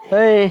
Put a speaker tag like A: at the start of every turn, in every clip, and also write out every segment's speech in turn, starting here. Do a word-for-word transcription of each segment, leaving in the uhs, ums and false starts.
A: अय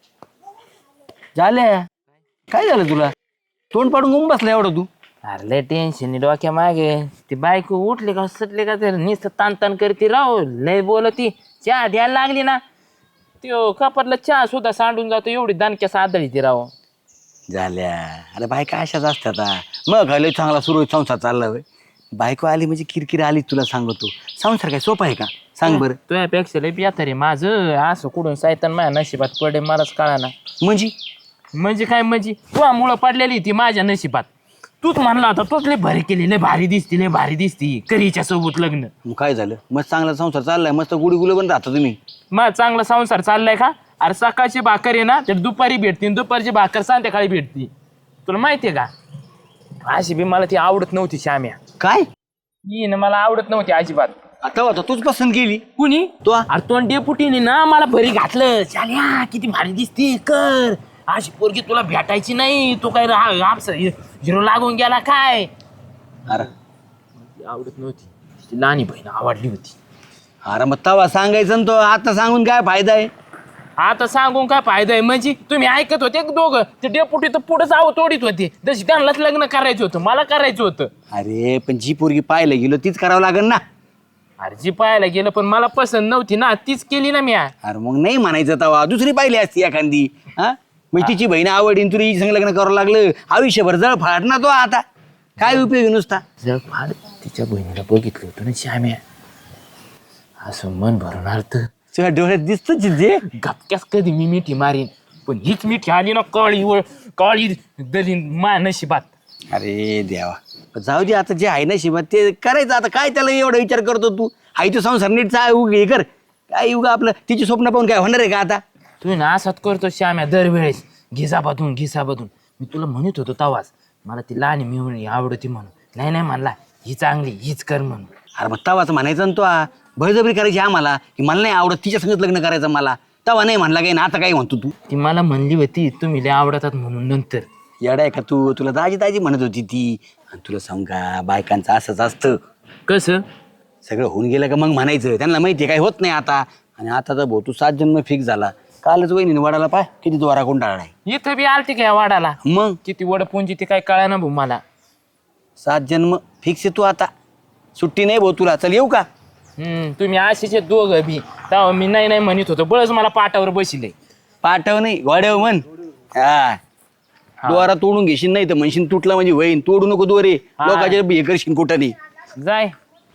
A: झाल्या काय झालं तुला तोंड पाडून गुम बसला एवढं तू.
B: अरे लय टेन्शन डोक्या मागे ती बायको उठली का सुटली का तर नुसतं ताण ताण करते राव लय बोलती चहा द्यायला लागली ना त्यो कपातला चहा सुद्धा सांडून जातो एवढी दानक्या सादळी ती राव.
A: झाल्या अरे बायका अशाच असतात हा. मग लय चांगला सुरळीत संसार चालला होय. बायको आली म्हणजे किरकिर आली तुला सांगतो. संसार काय सोपा आहे का सांग बरं.
B: तुझ्यापेक्षा लय बेहतर आहे माझं असं कुठून सायतन माझ्या नशिबात पडे मलाच कळा ना.
A: म्हणजे
B: म्हणजे काय म्हणजे तुझ्यामुळं पडलेली ती माझ्या नशिबात. तूच म्हणला होता तूच लय भारी केली लय भारी दिसती लय भारी दिसती करीच्या सोबत लग्न.
A: मग काय झालं मस्त चांगला संसार चाललाय मस्त गुडी गुलं पण राहता तुम्ही.
B: मग चांगला संसार चाललाय का. अरे सकाळची भाकर आहे ना तर दुपारी भेटते दुपारची भाकर संध्याकाळी भेटते. तुला माहितीये का अशी बी मला ती आवडत नव्हती श्याम्या.
A: काय
B: ही ना मला आवडत नव्हती अजिबात.
A: आता होता तूच पसंत केली
B: कुणी
A: तो.
B: अरे तो डेपुटीने ना मला भरी घातलं चाल्या किती भारी दिसती कर अशी पोरगी तुला भेटायची नाही तू काय हिरो लागून गेला काय.
A: अरे
B: आवडत नव्हती ती लहानी बहीण आवडली होती.
A: अरे मग तवा सांगायचं ना तो आता सांगून काय फायदा आहे.
B: आता सांगून काय फायदा आहे म्हणजे तुम्ही ऐकत होते दोघं ते डेपुटी तर पुढे जावं तोडीत होते जशी त्यांनाच लग्न करायचं होतं मला करायचं होतं.
A: अरे पण जी पोरगी पाहायला गेलो तीच करावं लागेल ना.
B: अरे जी पाहायला गेलं पण मला पसंत नव्हती ना तीच केली ना मी.
A: अरे मग नाही म्हणायचं तवा दुसरी पाहिली असती एखादी हा म्हणजे तिची बहीण आवडीन तुला हिच्या संग लग्न करावं लागलं आयुष्यभर जळ फाड ना तो आता काय उपयोग नुसता.
B: जर फार तिच्या बहिणीला बघितलं होतं ना श्याम्या असं मन भरून अर्थ
A: तुझ्या डोळ्यात दिसत जे
B: गपक्यास कधी मी मिठी मारीन पण हीच मिठी आली ना काळी व काळी दलीन मा नशिबात.
A: अरे देवा जाऊ दे आता जे आहे ना शिवाय ते करायचं आता काय त्याला एवढा विचार करतो तू आई तो संसार नीट चा उग हे कर काय उगा आपलं तिची स्वप्न पाहून काय होणार आहे का आता.
B: तुम्ही ना असाच करतो श्याम्या दरवेळेस घिसा बधून घिसा बधून. मी तुला म्हणत होतो तवाच मला ती लहान मिळून आवडती म्हणून नाही नाही म्हणला ही चांगली हीच कर म्हणून.
A: अरे मग तवाच म्हणायचं ना तो बळजबरी करायची आम्हाला की मला नाही आवडत तिच्या संगत लग्न करायचं मला तवा नाही म्हणला काय ना आता काय म्हणतो तू.
B: ती मला म्हणली होती तुम्ही लय आवडतात म्हणून नंतर.
A: येडा आहे का तू तुला दाजी दाजी म्हणत होती ती आणि तुला सांग का बायकांचं असंच असतं
B: कसं
A: सगळं होऊन गेलं का मग म्हणायचं त्यांना माहिती आहे काय होत नाही आता. आणि आता तर भाऊ तू सात जन्म फिक्स झाला कालच वहिनी वडाला पाय किती द्वारा कोंडाळा आहे.
B: इथं बी आलती काय वाडाला
A: मग
B: किती वडपुंजी ती काय कळा ना भाऊ मला.
A: सात जन्म फिक्स आहे तू आता सुट्टी नाही भाऊ तुला चल येऊ का.
B: हम्म तुम्ही असेच दोघं बी तेव्हा मी नाही नाही म्हणत होतो बळच मला पाटावर बसिले.
A: पाठव नाही गोड्याव म्हण हा द्वारा तोडून घेशील नाही तर म्हणशील तुटला म्हणजे वहीन तोडू नको दोरे लोकांच्या हे करशील कुठं नाही.
B: जाय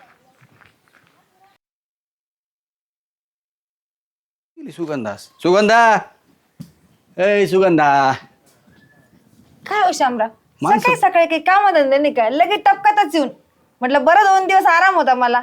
A: सुगंधा सुगंधा ए सुगंधा
C: काय हो शामराव
A: माणसं-
C: सकाळी सकाळी काही काम धंदे नाही काय लगेच टपकातच येऊन म्हटलं बरं दोन दिवस आराम होता मला.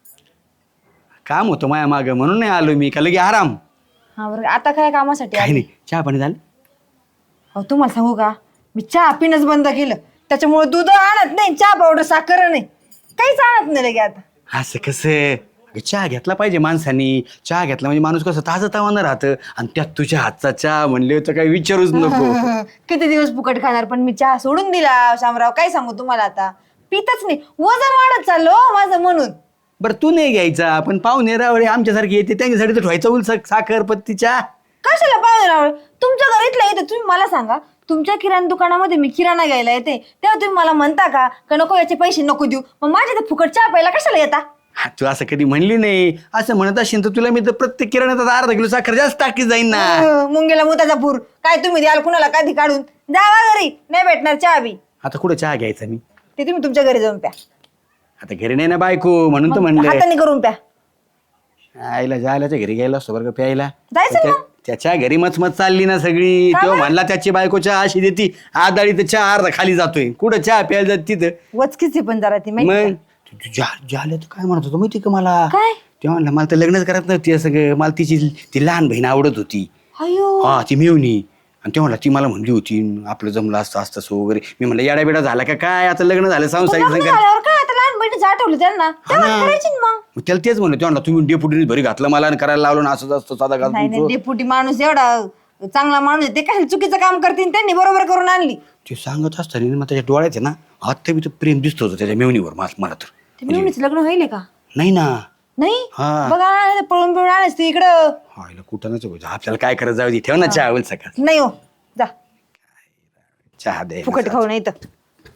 A: काम होतं माया माग म्हणून नाही आलो मी का लगे आराम.
C: हा बरं आता काय कामासाठी
A: काही
C: आली?
A: नाही चहा पाणी झालं.
C: अहो तुम्हाला सांगू का मी चहा पिणंच बंद केलं त्याच्यामुळे दूध आणत नाही चहा पावडर साखर नाही काहीच आणत नाही लगे आता.
A: असं कसं अगं, चहा घेतला पाहिजे माणसानी चहा घेतला म्हणजे माणूस कसं ताजं तावानं राहतं आणि त्यात तुझ्या हातचा चहा म्हणले तर काही विचारूच नको.
C: किती दिवस फुकट खाणार पण मी चहा सोडून दिला शामराव काय सांगू तुम्हाला आता पितच नाही वजन वाढत चाललो हो माझं म्हणून.
A: बरं तू नाही घ्यायचा पण पाहुणे रावळे आमच्यासारखे येते त्यांच्यासाठी तर ठेवायचं उल साखर पत्ती चहा.
C: कशाला पाहुणे रावळे तुमच्या घरीतलं येते तुम्ही मला सांगा तुमच्या किराणा दुकानामध्ये मी किराणा घ्यायला येते तेव्हा तुम्ही मला म्हणता का का नको याचे पैसे नको देऊ मग माझ्या ते फुकट चहा प्यायला कशाला येता.
A: हा, तू असं कधी म्हणली नाही असं म्हणत असेल तर तुला मी तर प्रत्येक किराण्यात अर्धा किलो साखर जास्त टाकी जाईन ना.
C: अं, मुंगेला मुताचा पूर काय तुम्ही द्याल कुणाला कधी काढून जावा घरी नाही भेटणार चहा बी
A: आता कुठं चहा घ्यायचा मी
C: ते तुम्ही तुमच्या घरी जाऊन प्या
A: आता घरी नाही ना बायको म्हणून तर म्हणलं
C: हाताने करून प्या
A: आईला जायलाच्या घरी गेला असतो बरं का प्यायला
C: जायचं
A: त्या-
C: ना.
A: त्याच्या घरी मचमच चालली ना सगळी
C: का
A: तेव्हा
C: बरं?
A: म्हणला त्याची बायको चहा अशी देती आदाळी तर चहा अर्धा खाली जातोय कुठं चहा प्यायला जात तिथं.
C: वचकीच पण जरा ती माहिती
A: मग
C: का?
A: तू- तू जा झालं तर काय म्हणत होतो माहिती का मला
C: काय
A: तेव्हा म्हणलं मला तर लग्नच करत नव्हती असं सगळं मला तिची ती लहान बहीण आवडत होती
C: अयो
A: हा ती मिळवणी आणि ते म्हणला ती मला म्हणली होती आपलं जमलं असतं असतं असं वगैरे मी म्हणलं येडा बेडा झाला का काय आता लग्न झालं
C: पण
A: संसारिक
C: लग्न
A: संसार
C: झाल्यावर काय आता लहान बहिणीचं आठवलं त्यांना तेव्हा
A: ना.
C: करायची ना मग.
A: मग त्याला तेच म्हणलं ते म्हणला तुम्ही डेपुटीने भरी घातलं मला आणि करायला लावलं ना असंच असतं साधा घाल
C: नाही नाही
A: तुमचं.
C: डेपुटी माणूस एवढा चांगला माणूस आहे ते काय चुकीचं काम करतील त्यांनी बरोबर करून आणली.
A: ते सांगत असताना मग त्याच्या डोळ्यात आहे ना आता बी तर प्रेम दिसत होतं त्याच्या मेवणीवर मला मला तर
C: ते मिळूनच लग्न होईल का
A: नाही ना
C: नाही
A: हा.
C: बघा ना, पळून पळून आणायच तू इकडं.
A: हायला कुठं नच आपल्याला काय करत जाऊ दे ठेव ना चहा होईल सकाळ
C: नाही हो जा
A: चहा दे
C: फुकट खाऊ नाही तर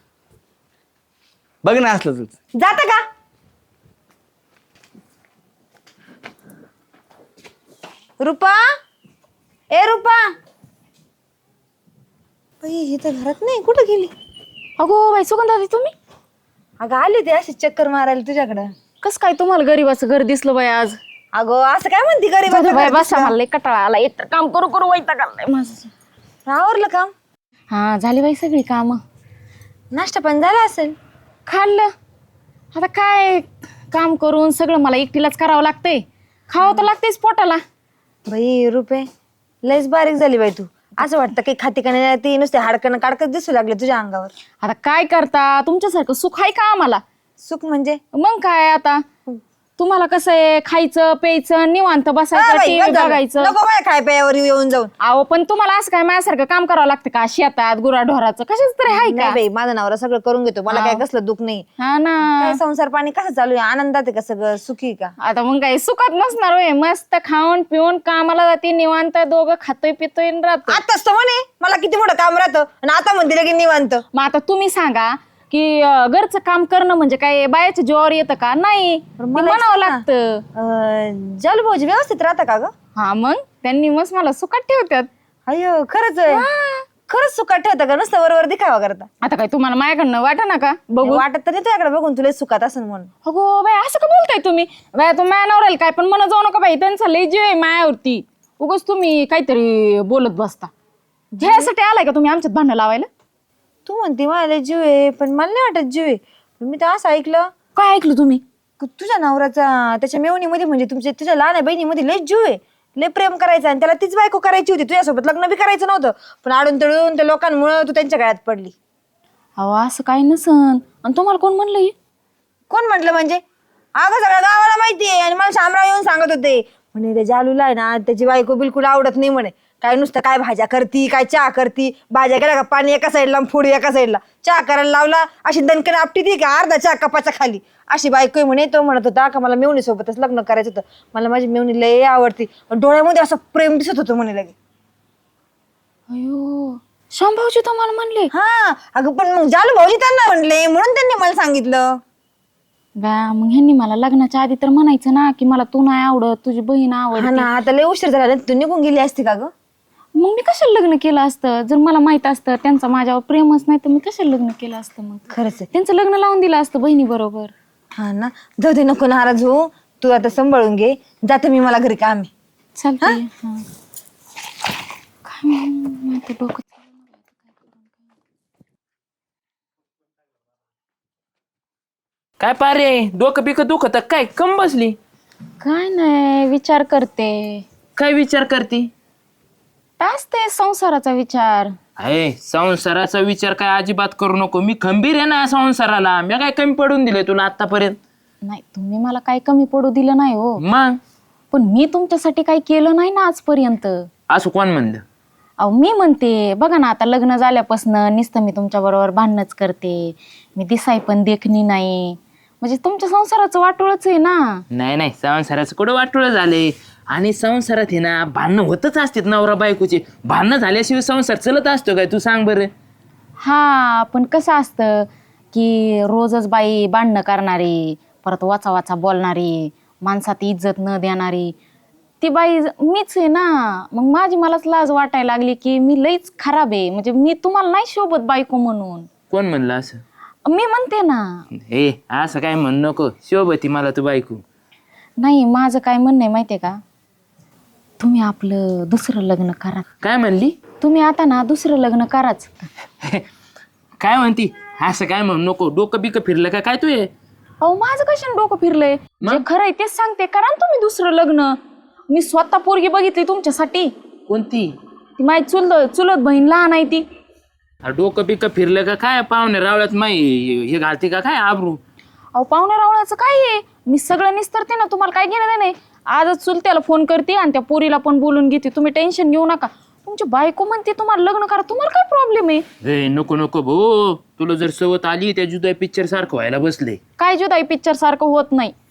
A: बघ ना असलं तुझं
C: जाता का. रुपा ए रुपा बाई ही तर घरात नाही कुठं गेली.
D: अगो बाई सुगंधा तुम्ही
C: अगं आली ती अशी चक्कर मारायला तुझ्याकडं.
D: कस काय तुम्हाला गरीबाचं घर दिसलं बाई आज.
C: अगं असं काय म्हणते गरीब
D: जाऊ दे बाई बसा मला लय कटाळा आला एक तर काम करू करू वैताग आलाय माझं.
C: आवरलं काम.
D: हा झाली बाई सगळी काम
C: नाश्ता पण झाला असेल.
D: खाल्लं आता काय काम करून सगळं मला एकटीलाच करावं लागतंय खावं तर लागतेच पोटाला.
C: बाई रुपये लयच बारीक झाली बाई तू. असं वाटतं काही खाती का नाही ती नुसते हाडकन काडकच दिसू लागले तुझ्या अंगावर.
D: आता काय करता तुमच्यासारखं सुख आहे का आम्हाला.
C: सुख म्हणजे
D: मग काय आता तुम्हाला कसं आहे खायचं प्यायचं निवांत
C: हा
D: बसायचं
C: बाई,
D: टीव्ही
C: बस झालं.
D: बघायचं.
C: नको बाय खाय प्यावर येऊन जाऊन.
D: अहो पण तुम्हाला असं काय माझ्यासारखं काम करावं लागतं का शेतात गुराढोराचं कशाच तरी आहे
C: नाही
D: का.
C: बाई माझा नवरा सगळं करून घेतो मला काय कसलं दुःख नाही.
D: हा ना
C: काय संसार पाणी कसं चालू आहे आनंदात आहे का सगळं सुखी का.
D: आता मग काय सुखात नसणार होय मस्त खाऊन पिऊन कामाला जाते निवांत दोघं खातोय पितोय आणि राहतोय.
C: आताच तर म्हणे मला किती मोठं काम राहतं आणि आता म्हणते की निवांत.
D: मग आता तुम्ही सांगा की अं, घरचं काम करणं म्हणजे काय बायाच्या जीवावर येतं का नाही ते म्हणावं लागतं.
C: जल भाऊजी व्यवस्थित राहता का ग.
D: हा मग त्यांनी मस्त मला सुखात ठेवतात.
C: अयो खरंच आहे खरंच सुखात ठेवता का नुसतं वरवर दिखावा करता.
D: आता काय तुम्हाला माझ्याकडनं वाटा ना का बघू.
C: वाटत तर नाही तुझ्याकडे बघून तुला सुखात असं म्हणून.
D: अगो बाय असं का बोलताय तुम्ही बाय तुम्ही मायावर राहील काय पण मला जाऊ नका बाई त्यांचा लय जीव आहे मायावरती उगाच तुम्ही काहीतरी बोलत बसता. ह्यासाठी आलाय का तुम्ही आमच्यात भांडण लावायला.
C: तू म्हणते मला जीव आहे पण मला नाही वाटत जीव आहे. पण मी तर असं ऐकलं
D: काय ऐकलं तुम्ही.
C: की तुझ्या नवऱ्याचा त्याच्या मेवणीमध्ये म्हणजे तुमच्या तुझ्या लहान बहिणीमध्ये लय जीव आहे लय प्रेम करायचं आणि त्याला तीच बायको करायची होती तुझ्यासोबत लग्न बी करायचं नव्हतं पण आडून तळून त्या लोकांमुळे तू त्यांच्या गळ्यात पडली.
D: अहो असं काही नसन आणि तुम्हाला कोण म्हणलं हे?
C: कोण म्हटलं म्हणजे अगं सगळ्या गावाला माहिती आहे आणि मला शामराव येऊन सांगत होते म्हणे ते जालूला आहे ना त्याची बायको बिलकुल आवडत नाही म्हणे. काय नुसतं काय भाज्या करती काय चहा करती भाज्या केल्या का पाणी एका साईडला फोडी एका साईडला चहा करायला लावला अशी दणकन आपटी ती का अर्धा चहा कपाच्या खाली अशी बायको म्हणे. तो म्हणत होता का मला मेवणी सोबतच लग्न करायचं होतं मला माझी मेवणी लय आवडती डोळ्यामध्ये असं प्रेम दिसत होतं म्हणे लगे.
D: अयो शांभाऊजी तुम्हाला म्हणले.
C: हा अगं पण मग जालू भाऊजी त्यांना म्हणले म्हणून त्यांनी मला सांगितलं.
D: व्या मग ह्यांनी मला लग्नाच्या आधी तर म्हणायचं ना की मला तू नाही आवडत तुझी बहीण
C: हा
D: आवडते.
C: ना आता लय उशीर झाला तू निघून गेली असती का ग.
D: मग मी कशाला लग्न केलं असतं जर मला माहित असतं त्यांचं माझ्यावर प्रेमच नाही तर मी कशाला लग्न केलं असतं. मग
C: खरंच आहे.
D: त्यांचं लग्न लावून दिलं असतं बहिणी बरोबर.
C: हा ना जाऊ दे नको नाराज हो तू आता सांभाळून घे जाते मी मला घरी काम आहे.
D: चालतंय हा. काय म्हणू, आता डोकं
B: काय पारे डोकं बिकं दुखत काय कम बसली.
D: काय नाही विचार करते.
B: काय विचार करते.
D: असते संसाराचा विचार.
B: अरे संसाराचा विचार काय अजिबात करू नको मी खंबीर आहे ना संसाराला मी काय कमी पडून दिले तुला आतापर्यंत.
D: नाही तुम्ही मला काही कमी पडू दिलं नाही हो
B: मग
D: पण मी तुमच्यासाठी काही केलं नाही ना आजपर्यंत.
B: असं कोण म्हणलं.
D: अहो मी म्हणते बघा ना आता लग्न झाल्यापासून नुसतं मी तुमच्या बरोबर भांडणच करते मी दिसाय पण देखणी नाही म्हणजे तुमच्या संसाराचं वाटोळच आहे ना.
B: नाही नाही संसाराचं कुठं वाटोळं झाले आणि संसारात आहे ना भांडणं होतच असतात नवरा बायकोचे भांडणं झाल्याशिवाय संसार चलत असतो काय तू सांग बरं.
D: हा पण कसं असतं की रोजच बाई भांडणं करणारी परत वाचा वाचा बोलणारी माणसात इज्जत न देणारी ती बाई मीच आहे ना. मग माझी मलाच लाज वाटायला लागली की मी लईच खराब आहे म्हणजे मी तुम्हाला नाही शोभत बायको म्हणून.
B: कोण म्हणलं असं.
D: मी म्हणते ना.
B: हे असं काय म्हण नको शोभती मला तू बायको.
D: नाही माझं काय म्हणणं आहे माहितीये का तुम्ही आपलं दुसरं लग्न करा.
B: काय म्हणली.
D: तुम्ही आता ना दुसरं लग्न कराच.
B: काय म्हणती असं काय म्हणू नको डोकं बिकं फिरलं का काय तू हे.
D: अहो माझं कशाने डोकं फिरलंय जे खरं आहे तेच सांगते करा ना तुम्ही दुसरं लग्न. मी स्वतः पोरगी बघितली तुमच्यासाठी.
B: कोणती.
D: ती माझी चुलत चुलत बहीण लहान आहे ती.
B: अरे डोकं बिकं फिरलं का काय पाहुणे रावळ्यात माई हे घालते का काय आबरू.
D: अहो पाहुण्या रावळ्याचं काय आहे मी सगळं निस्तरते ना तुम्हाला काय घेणं नाही. आजच चुलत्याला फोन करते आणि त्या पोरीला पण बोलून घेते तुम्ही टेन्शन घेऊ नका. तुमची बायको म्हणते तुम्हाला लग्न करा तुम्हाला काय प्रॉब्लेम आहे.
B: हे नको नको भाऊ तुला जर सवत आली त्या जुदाई पिक्चर सारखं व्हायला बसले.
D: काय जुदाई पिक्चर सारखं होत नाही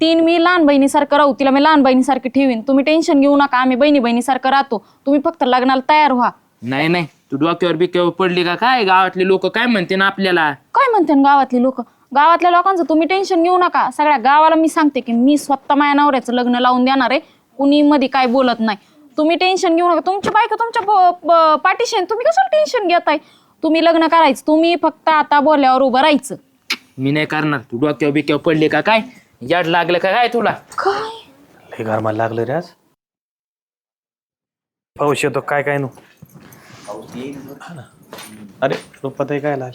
D: तीन मी लहान बहिणीसारखं राहू, तिला मी लहान बहिणीसारखी ठेवीन. तुम्ही टेन्शन घेऊ नका, आम्ही बहिणी बहिणीसारखं राहतो. तुम्ही फक्त लग्नाला तयार व्हा.
B: नाही नाही तू डोक्यावर बिक्यावर पडली का काय? गावातले लोक काय म्हणते ना आपल्याला?
D: काय म्हणते न गावातली लोक? गावातल्या लोकांचं तुम्ही टेन्शन घेऊ नका. सगळ्या गावाला मी सांगते की मी स्वतः माझ्या नवऱ्याचं लग्न लावून देणार आहे. कुणी मध्ये काय बोलत नाही. तुम्ही टेन्शन घेऊ नका. तुमची बायको तुमच्या प- प- पाठीशी आहे. तुम्ही कशाला टेन्शन घेताय? तुम्ही लग्न करायचं. तुम्ही फक्त आता बोलल्यावर उभं राहायचं.
B: मी नाही करणार. तू डोक्यावर बिक्यावर पडली का काय? याड लागलं का काय तुला?
D: काय
E: लय गरमाला लागलं रे आज. पाऊस येतो काय काय नु. अरे रुपाताई काय आले?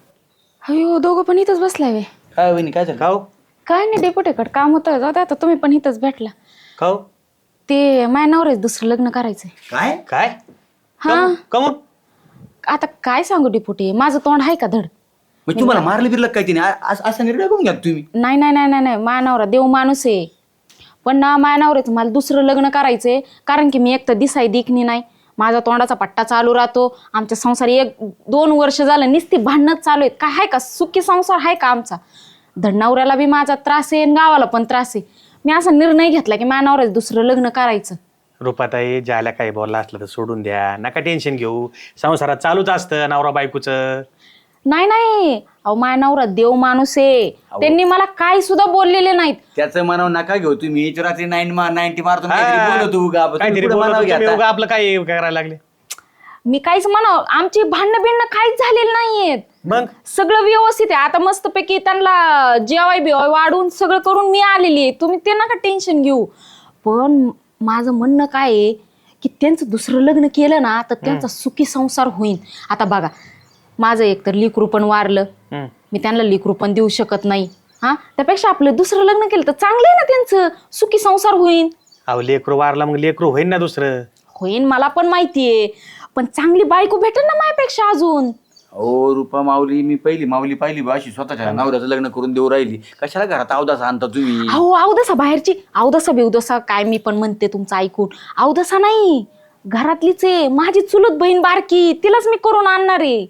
D: अयो दोघं पण इथंच बसलाय वे.
A: काय वहिनी काय झालं?
E: खाऊ
D: काय नाही डेपुटेकड काम होतं. जाऊ दे आता, तुम्ही पण इथंच भेटला.
E: खाऊ
D: ते माझ्या नवऱ्याचं दुसरं लग्न करायचंय.
A: काय
E: काय
D: हा
E: कमून?
D: आता काय सांगू डेपुटी, माझं तोंड आहे का धड?
A: मग तुम्हाला मारलं बिरलं काय तिने? आ- अस- असा निर्णय करून घ्या तुम्ही.
D: नाही नाही नाही नाही नाही माझ्या नवरा देव माणूस आहे. पण ना माझ्या नवऱ्याचं मला दुसरं लग्न करायचंय. कारण की मी एक तर दिसाय दिखणी नाही. माझा तोंडाचा पट्टा चालू राहतो. आमच्या संसारी एक दोन वर्ष झालं नुसती भांडणच चालू आहेत. काय आहे का सुखी संसार आहे का आमचा? धड नवऱ्याला बी माझा त्रास आहे आणि गावाला पण त्रास आहे. मी असा निर्णय घेतला की माझ्या नवऱ्याचं दुसरं लग्न करायचं.
E: रुपाताई ज्याला काही बोलला असलं तर सोडून द्या. नका टेन्शन घेऊ. संसारात चालूच असतं नवरा बायकोचं.
D: नाही नाही अहो माझ्या नवरा देव माणूस आहे. त्यांनी मला काही सुद्धा बोललेले नाहीत.
A: त्याचं मनाव नका घेऊ तुम्ही. रात्री नाईन नाईन्टी मारतो
E: हा.
A: बोलतो उगा. तुम्ही
E: काहीतरी
A: पुढं
E: बोलत
A: मनाव
E: होते,
A: घ्या
E: तुम्ही
A: आता.
E: उगा आपलं काय करायला लागले.
D: मी काहीच म्हणावं, आमची भांडणं बिंडणं काहीच झालेली नाहीयेत.
E: मग
D: सगळं व्यवस्थित आहे. आता मस्तपैकी त्यांना जेवाय बिवाय वाढून सगळं करून मी आलेली आहे. तुम्ही ते नका टेन्शन घेऊ. पण माझं म्हणणं काय आहे की त्यांचं दुसरं लग्न केलं ना तर त्यांचा सुखी संसार होईल. आता बघा माझं एकतर लेकरू पण वारलं.
E: हम्म.
D: मी त्यांना लेकरू पण देऊ शकत नाही. हा त्यापेक्षा आपलं दुसरं लग्न केलं तर चांगलं आहे ना, त्यांचं सुखी संसार होईल.
E: अहो लेकरू वारला मग लेकरू होईन ना दुसरं.
D: होईन मला पण माहितीये. पण चांगली बायको भेटेल ना माझ्यापेक्षा अजून.
A: हो रुपा माऊली, मी पहिली माऊली पाहिली बा अशी स्वतःच्या नवऱ्याचं लग्न करून देऊ राहिली. कशाला घरात अवदासा आणता तुम्ही?
D: अहो अवदसा बाहेरची अवदसा बिवदसा काय मी पण म्हणते तुमचं ऐकून. अवदसा नाही घरातलीच आहे. माझी चुलत बहीण बारकी, तिलाच मी करून आणणार आहे.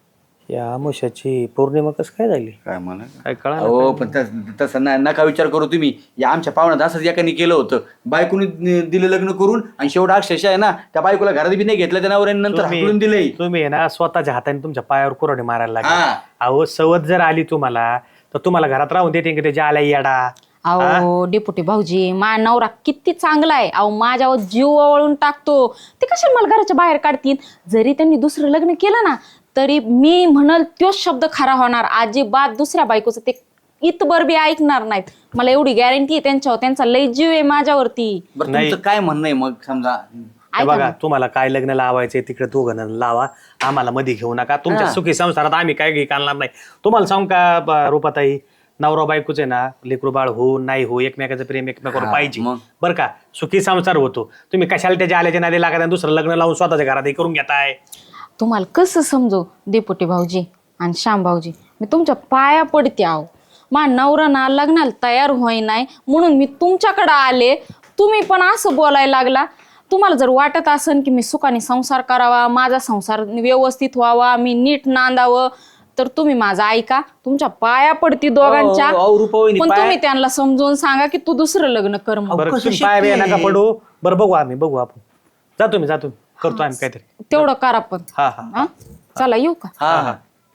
E: या आमुष्याची पौर्णिमा कसं काय झाली
A: काय म्हणा
E: काय कळा.
A: हो पण तस- तसं ना- नका विचार करू तुम्ही. या आमच्या पाहुण्यात असंच एकाने केलं होतं. बायकोनी दिलं लग्न करून आणि शेवट अक्षरशः आहे ना त्या बायकोला घरात बी नाही घेतलं. त्या नवऱ्याने नंतर हाकलून दिलंय.
E: तुम्ही आहे ना स्वतःच्या हाताने तुमच्या पायावर कुऱ्हाडी मारायला
A: हा.
E: लागले. अहो सवत जर आली तुम्हाला तर तुम्हाला घरात राहून देते की त्याच्या आल्या येडा.
D: अहो डेपुटी भाऊजी माझा नवरा किती चांगला आहे. अहो माझ्यावर जीव ओवाळून टाकतो. ते कशाला मला घराच्या बाहेर काढतील? जरी त्यांनी दुसरं लग्न केलं ना तरी मी म्हणल तोच शब्द खरा होणार. अजिबात दुसऱ्या बायकोचं ते इतबर बी ऐकणार नाहीत. मला एवढी गॅरंटी आहे त्यांच्यावर. त्यांचा लय जीव आहे माझ्यावरती.
A: बरं
E: नाही.
A: तुमचं काय म्हणणं आहे मग समजा?
E: हे बघा तुम्हाला काय लग्न लावायचंय तिकडे दोघं जण लावा. आम्हाला मध्ये घेऊ नका. तुमच्या सुखी संसारात आम्ही काय घे काढणार नाही. तुम्हाला सांगू का ब- रुपाताई, नवरा बायकोच आहे ना लेकरू बाळ हो नाही हो एकमेकाचं प्रेम एकमेकावर
A: हा,
E: पाहिजे
A: मग?
E: बरं का. सुखी संसार होतो. तुम्ही कशाला त्याच्या आल्याच्या नादी लागत आणि दुसरं लग्न लावून स्वतःच्या घरात हे करून घेताय.
D: तुम्हाला कसं समजू डेपुटी भाऊजी आणि श्याम भाऊजी, मी तुमच्या पाया पडते. आहो मा नवरा ना लग्नाला तयार होई नाही म्हणून मी तुमच्याकडे आले. तुम्ही पण असं बोलायला लागला. तुम्हाला जर वाटत असेल की मी सुखाने संसार करावा, माझा संसार व्यवस्थित व्हावा, मी नीट नांदावं, तर तुम्ही माझा ऐका. तुमच्या पाया पडती दोघांच्या.
A: अहो, अहो, रुपावहिनी,
D: पण
A: पाया-
D: तुम्ही त्यांना समजून सांगा की तू दुसरं लग्न कर म्हणून.
E: बरं
A: कसं
E: तुम्ही पाय
A: शक्य
E: बिया नका
A: आहे?
E: पडू. बरं बघू आम्ही बघू आपण. जातो मी जातो करतो आम्ही काहीतरी.
D: तेवढं करा पण.
E: हा हा
D: हा? चला येऊ का?
A: हा हा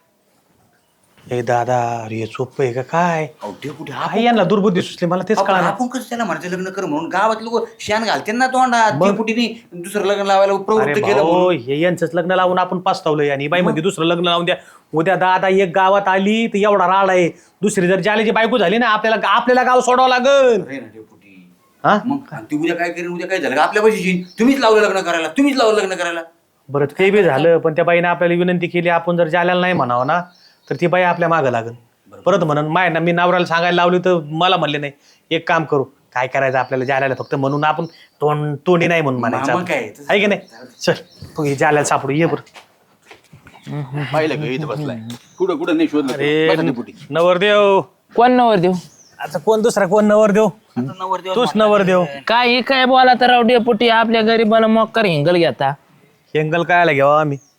E: हे दादा अरे हे सोपं आहे का काय?
A: अहो, डेपुटी,
E: काय यांना दुर्बुद्धी सुचली मला तेच
A: आपण
E: कळणार.
A: आपण कसं त्याला म्हणायचं लग्न कर म्हणून? गावात लोक शान घालते ना तोंडात. डेपुटीने दुसरं लग्न लावायला
E: अरे
A: प्रवृत्त केलं
E: भाऊ
A: म्हणून.
E: हे यांचंच लग्न लावून आपण पाचतावलंय आणि बाई मध्ये दुसरं लग्न लावून द्या. उद्या दादा एक गावात आली तर एवढा राड आहे. दुसरी जर जाल्याची बायको झाली ना आपल्याला आपल्याला गाव सोडावं लागल.
A: अरे ना डेपुटी.
E: हा
A: मग आणि ती उद्या काय करेन? उद्या काय झालं का आपल्या पैशाची? तुम्हीच लावलं लग्न करायला. तुम्हीच लावलं लग्न करायला.
E: बरं ते बी झालं पण त्या बाईने आपल्याला विनंती केली. आपण जर जाल्याला नाही म्हणावं ना तर ती बाई आपल्या मागं लागल परत म्हणून. माय ना मी नवऱ्याला सांगायला लावली तर मला म्हणले नाही. एक काम करू काय करायचं आपल्याला जाल्याला फक्त म्हणून आपण तोंड तोंडी नाही म्हणून म्हणायचं
A: मग काय?
E: आपण. आहे की नाही? चल तू हे जाल्याला सापडू ये बरं.
A: पाहिलं का इथं बसलाय. कुठं कुठं नाही शोधलं.
E: अरे
A: बसा डेपुटी.
E: नवरदेव
B: कोण नवर देऊ?
E: आता कोण दुसरा कोण नवरदेव? तूच नवरदेव.
B: काय हे काय बोला तर राव डेपुटी आपल्या गरीबाला मोक्कर हिंगल घेता.
E: हेंगल कायला घ्यावा आम्ही?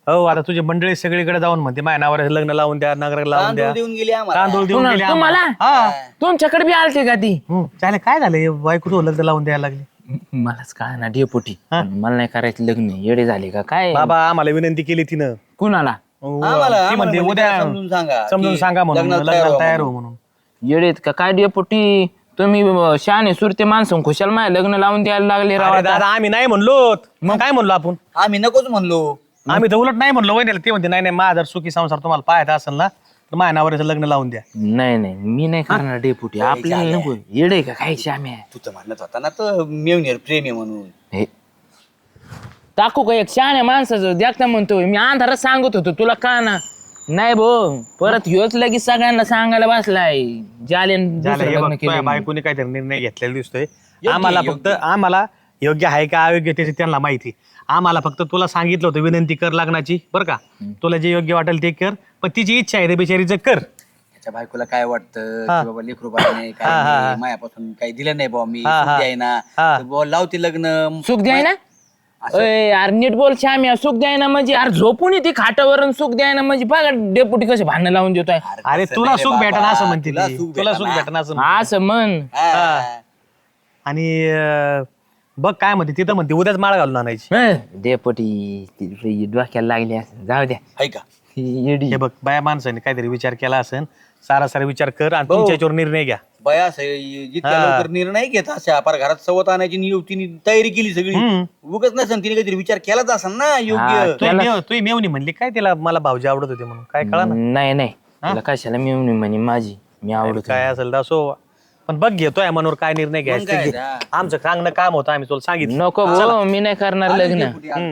E: हो आता तुझी मंडळी सगळीकडे जाऊन म्हणते माझ्या नावावर लग्न लावून द्या नगर लावून द्या
A: तांदूळ देऊन गेली आम्हाला
E: तांदूळ देऊन गेले
B: तुम्हाला
E: आम्हाला. हा
B: तुमच्याकडे बी आलते का ती
E: हम्म. चालेल काय झालं बायको तो लग्न लावून द्यायला लागली
B: मलाच काय ना डेपुटी मला नाही करायचं लग्न येडे झाले का काय
E: बाबा आम्हाला विनंती केली तिनं
B: कुणाला
A: आम्हाला-
E: ती म्हणते
A: आम्हाला
E: उद्या
A: समजून सांगा
E: समजून
A: की
E: सांगा म्हणून
A: लग्नाला
E: लग्नाला
A: तयार
E: तयार
A: हो
E: हो म्हणून
B: येडेत का काय डेपुटी तुम्ही अं, शहाणे सुरते माणसं खुशाल माय लग्न लावून द्यायला लागले राव
E: अरे
B: आता.
E: दादा आम्ही नाही म्हणलो मग काय म्हणलो आपण
A: आम्ही नकोच म्हणलो
E: आम्ही तर उलट नाही म्हणलो वहिनीला ते म्हणते नाही नाही माझा जर सुखी संसार तुम्हाला पाहायचा असेल ना तर माझ्या नावावर लग्न लावून द्या
B: नाही नाही मी नाही करणार डेपुटी आपल्याला नको येडे का काय श्याम्या
A: तू तर म्हणत होता ना तर मेवणीवर प्रेम आहे म्हणून
B: हे टाकू का एक शहाण्या माणसाचं देखता म्हणतोय मी अंधारात सांगत होतो तुला का ना नाही भो परत ह्योच लगेच सगळ्यांना सांगायला बसलाय जाले
E: झालं, हे बघ, तुझ्या बायकोने काहीतरी निर्णय घेतलेला दिसतोय आम्हाला फक्त आम्हाला योग्य आहे का अयोग्य त्याची त्यांना माहिती आम्हाला फक्त तुला सांगितलं होतं विनंती कर लग्नाची बरं का तुला जे योग्य वाटेल ते कर पण तिची इच्छा आहे ते बिचारीचं कर
A: त्याच्या बायकोला काय वाटतं
E: हा.
A: की बाबा लेकरू बाळ नाही काय
E: हा, हा.
A: नाही, मायापासून काही दिलं नाही बाबा मी
E: हा,
A: सुट्टी
E: हा.
A: आहे ना
E: हा.
A: तर बुवा लावते लग्न
B: सुख द्याय ना अय यार नीट बोल श्याम्या सुख द्याय ना म्हणजे यार झोपून येते खाटावर आणि सुख द्याय ना म्हणजे बघा डेपुटी कसे भांडणं लावून देतोय
E: अरे
A: तसं
E: तुला
A: नाही रे
E: सुख
A: बाबा,
E: भेटना असं म्हणते
A: तुला
E: ती.
A: सुख
E: तुला सुख
A: भेटना.
E: भेटना असं म्हणते.
B: असं म्हण
A: हा.
E: आणि अं, बघ काय म्हणते तिथं म्हणते उद्याच माळ घालून आणायची
B: हं, डेपुटी ती डोक्याला लागली असं जाऊ द्या
A: आहे का
B: येडी
E: हे बघ बाया माणसाने काहीतरी विचार केला असेल सारा सारा विचार कर आणि तुमच्या याच्यावर निर्णय घ्या
A: बया जितक्या
E: हा.
A: लवकर निर्णय घेत अशा फार घरात सवत आणायची नि- तिने तयारी केली सगळी
E: हम्म.
A: उगच नसेल तिने काहीतरी विचार केलाच असेल ना
B: हा,
A: योग्य
E: तू मेव- तू मेवणी म्हणली काय तिला मला भाऊजी आवडत होते म्हणून काय कळा ना
B: नाही नाही तुला कशाला मी म्हणे माझी मी आवडत
E: काय असेल तर असो पण बघ घेतोय मनावर काय निर्णय घ्यायचा
A: काय
E: ते घे.
A: हा.
E: आमचं सांगणं काम होतं आम्ही तुला सांगितलं
B: नको भाऊ मी नाही करणार लग्न
E: हम्म.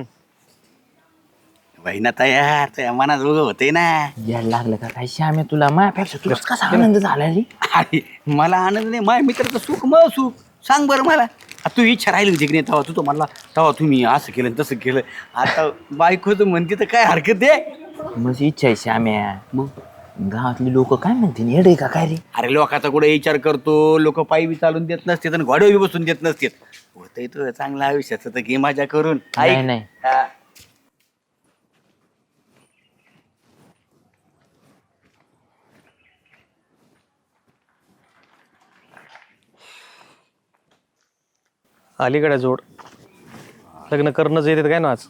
A: बहिणा तयार तया मनात उगं होते ना
B: यायला लागलं का काय श्याम्या तुला माझ्यापेक्षा तुला कसा आनंद झाला रे
A: अरे मला आनंद नाही माझ्या मित्राचं सुख मग सुख सांग बरं मला आता तू इच्छा राहिली होती की नाही तेव्हा तू तो म्हणला तेव्हा तुम्ही असं केलं आणि तसं केलं आता बायको तर म्हणते तर काय हरकत आहे
B: माझी इच्छा आहे श्याम्या मग गावातली लोक काय म्हणतील येडे का काय रे
A: अरे लोकांचा कुठे विचार करतो लोक पायी बी चालून देत नसते आणि घोड्यावर बी बसून देत नसते होतंय तो चांगला आयुष्याचं तर घे मजा करून
B: नाही
A: ऐक.
B: नाही
A: हा.
E: अलीकडे जोड लग्न करणंच येते काय ना आज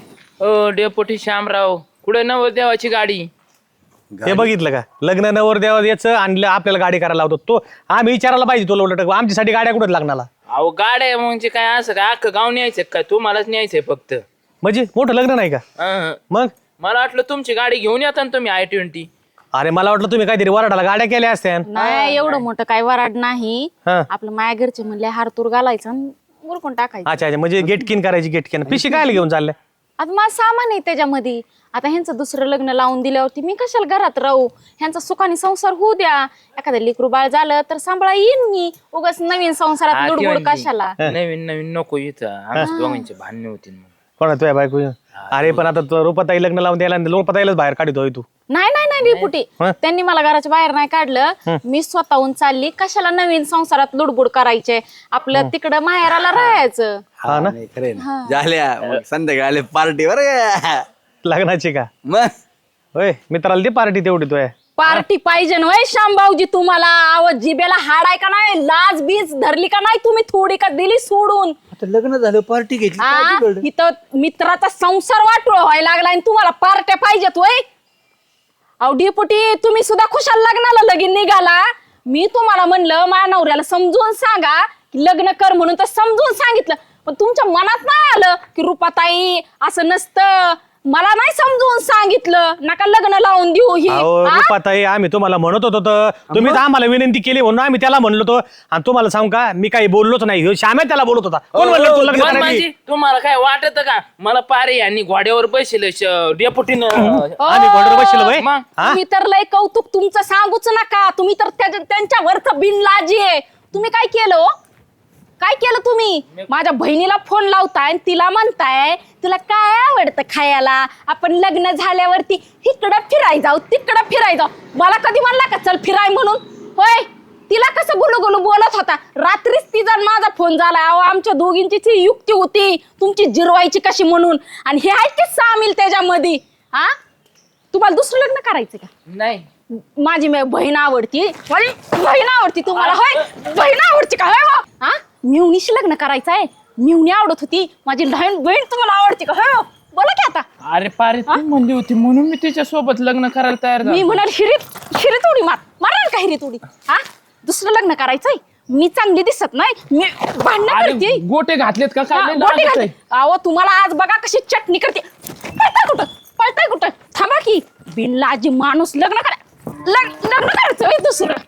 B: ओ डेपुटी श्यामराव कुठे नवदेवाची गाडी
E: हे बघितलं का लग्न नवर देवा याचं आणलं आपल्याला गाडी करायला लावतो तो आम्ही विचारायला पाहिजे तुला उलट आमच्यासाठी गाड्या कुठं लागणार
B: अहो गाड्या म्हणजे काय असं काय अख्खं गाव न्यायचं काय तुम्हालाच न्यायचंय फक्त
E: म्हणजे मोठं लग्न नाही का
B: अहं.
E: मग
B: मला वाटलं तुमची गाडी घेऊन येता ना तुम्ही आय ट्वेंटी
E: अरे मला वाटलं तुम्ही काहीतरी वराडाला गाड्या केल्या असत्या
D: नाही एवढं मोठं काय वराड नाही
E: हा.
D: आपलं माया घरचे म्हणले हारतूर घालायचं आणि उरकून टाकायचं
E: अच्छा अच्छा म्हणजे गेटकिन करायची गेटकिन पिशी काय घेऊन चालल्या
D: आता माझं सामान आहे त्याच्यामध्ये आता ह्यांचं दुसरं लग्न लावून दिल्यावरती मी कशाला घरात राहू ह्यांचा सुखाने संसार होऊ द्या एखादं लेकरू बाळ झालं तर सांभाळा येईन मी उगाच नवीन संसारात लुडबुड कशाला
B: नवीन नवीन नको इथं आमच्या दोघांचे भांडणे होतील मग
E: कोणा तुझ्या बायको अरे पण आता तू रुपाताई लग्न लावून द्यायला रुपाताईलाच बाहेर काढतोय तू
D: नाही नाही नाही डेपुटी
E: हं?
D: त्यांनी मला घराच्या बाहेर नाही काढलं मी स्वतःहून चालली कशाला नवीन संसारात लुडबुड करायचे आपलं तिकडं माहेराला राहायचं
E: हा ना
A: नाही खरंय ना झाल्या मग संध्याकाळी आले पार्टीवर
E: लग्नाची का
A: मग
E: होय मित्राला ती पार्टी तेवढी तुय
D: पार्टी पाहिजे ना शामभाऊजी तुम्हाला आवाज जिबेला हाड आहे का नाही लाज बीज धरली का नाही तुम्ही थोडी का दिली सोडून
A: आता लग्न झालं पार्टी घेतली काय
D: आ,
A: बिघडलं?
D: इथं मित्राचा संसार वाटोळ व्हायला लागला आणि तुम्हाला पार्ट्या पाहिजेत वय अहो डेपुटी तुम्ही सुद्धा खुशाल लग्नाला लगीन निघाला मी तुम्हाला म्हणलं माझ्या नवऱ्याला समजून सांगा की लग्न कर म्हणून तर समजून सांगितलं पण तुमच्या मनात नाही आलं की रुपाताई असं नसतं मला नाही समजून सांगितलं नका लग्न लावून देऊ ही
E: अहो
D: आ?
E: रुपाताई आम्ही तुम्हाला म्हणत होतो तर तुम्हीच आम्हाला विनंती केली म्हणून आम्ही त्याला म्हणलो होतो आणि तुम्हाला सांगू का मी काही बोललोच नाही ह्यो श्याम्या त्याला बोलत होता कोण म्हणलं तू लग्न
B: पण
E: करायची?
B: म्हणजे तुम्हाला काय वाटत का मला पारे यांनी घोड्यावर बसले डेपुटीनं
E: आम्ही घोड्यावर बसलो होय?
B: मग?
E: हा?
D: तुम्ही तर लय कौतुक तुमचं सांगूच नका तुम्ही तर त्याच्या- त्यांच्यावरचं बिनलाजी आहे तुम्ही काय केलं हो? काय केलं तुम्ही माझ्या बहिणीला फोन लावताय आणि तिला म्हणताय तुला काय आवडतं खायला आपण लग्न झाल्यावरती इकडं फिराय जाऊ तिकडं फिराय जाऊ मला कधी म्हणला का चल फिराय म्हणून होय तिला कसं गुलू गुलू बोलत होता रात्रीच तिचा आणि माझा फोन झाला अहो आमच्या दोघींची ती युक्ती होती तुमची जिरवायची कशी म्हणून आणि हे आहेत की सामील त्याच्यामध्ये
F: हा तुम्हाला दुसरं लग्न करायचं का?
B: नाही
F: माझी मे- बहीण आवडती, माझी बहीण आवडती तुम्हाला, होय? बहीण आवडती का, होय बा? हा मिवणीशी लग्न करायचं आहे. मिवणी आवडत होती, माझी लहान बहीण तुम्हाला आवडती का, होय? बोला की आता.
B: अरे पारे तू म्हणली होती म्हणून मी तिच्या सोबत लग्न करायला तयार
F: मी
B: झालो.
F: म्हणाल हिरीत हिरीत उडी मार माराल का हिरीत उडी? हा दुसरं लग्न करायचंय. मी चांगली दिसत नाही, मी भांडण
B: अरे
F: करते.
B: गोटे घातलेत का
F: हा,
B: काय लय
F: गोटी
B: लाजत
F: घालते.
B: आहे.
F: अहो तुम्हाला आज बघा कशी चटणी करते. पळताय कुठं पळताय कुठं थांबा की बिनलाजी माणूस लग्न करा लग्न लग्न करायचं होय दुसरं.